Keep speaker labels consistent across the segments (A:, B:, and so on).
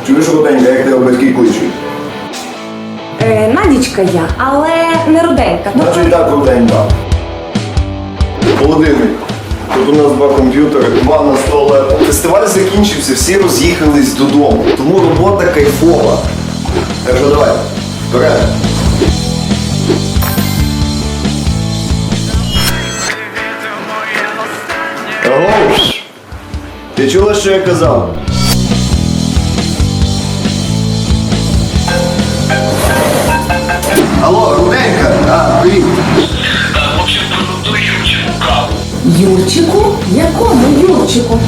A: Чуєш, Руденька, як тебе батьки кличуть?
B: Надічка я, але не руденька.
A: Значить так, Руденька. Володимир, тут у нас 2 комп'ютери, 2 на столі. Фестиваль закінчився, всі роз'їхались додому. Тому робота кайфова. Так що давай, вперед. Аго! Ти чула, що я казав? Алло, Руденька! Привіт!
B: Юрчику? Якому Юрчику?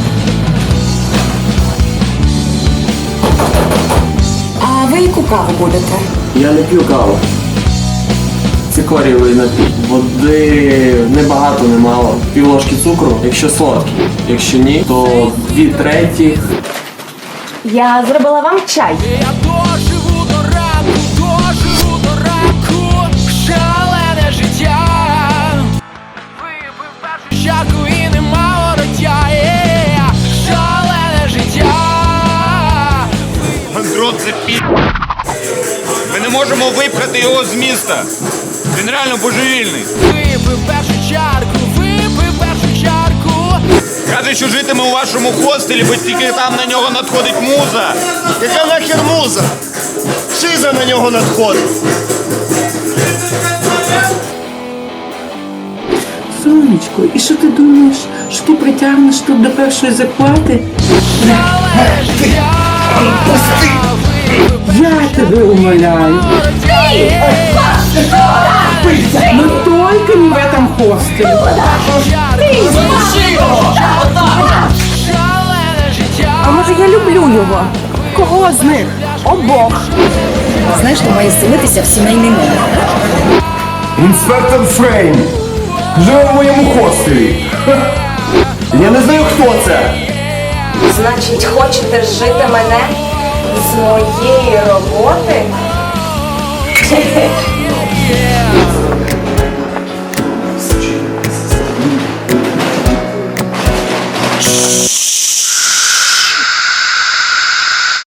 B: А ви яку каву будете?
C: Я не п'ю каву. Цикорієвий напій. Води небагато, немало. Півложки цукру, якщо солодкий. Якщо ні, то 2/3.
B: Я зробила вам чай.
D: Я доживу до ранку, шалене життя. Випив першу чарку і нема вороття. Шалене життя.
E: Андрот запі... Ми не можемо випхати його з міста. Він реально божевільний.
D: Випив першу чарку.
E: Каже, що житиме у вашому хостелі, бо тільки там на нього надходить муза.
F: Яка нахер муза? Шиза на нього надходить.
G: Сонечко, і що ти думаєш, що ти притягнеш тут до першої зарплати?
D: Шалене життя.
G: Я тебе умоляю. Ну только не в этом хостеле.
B: А може я люблю його? Кого з них? Обох.
H: Знаєш, що має селитися в сімейний номер.
A: Інспектор Фрейм! Живе в моєму хостелі! Я не знаю, хто це!
B: Значить, хочете жити мене з моєї роботи?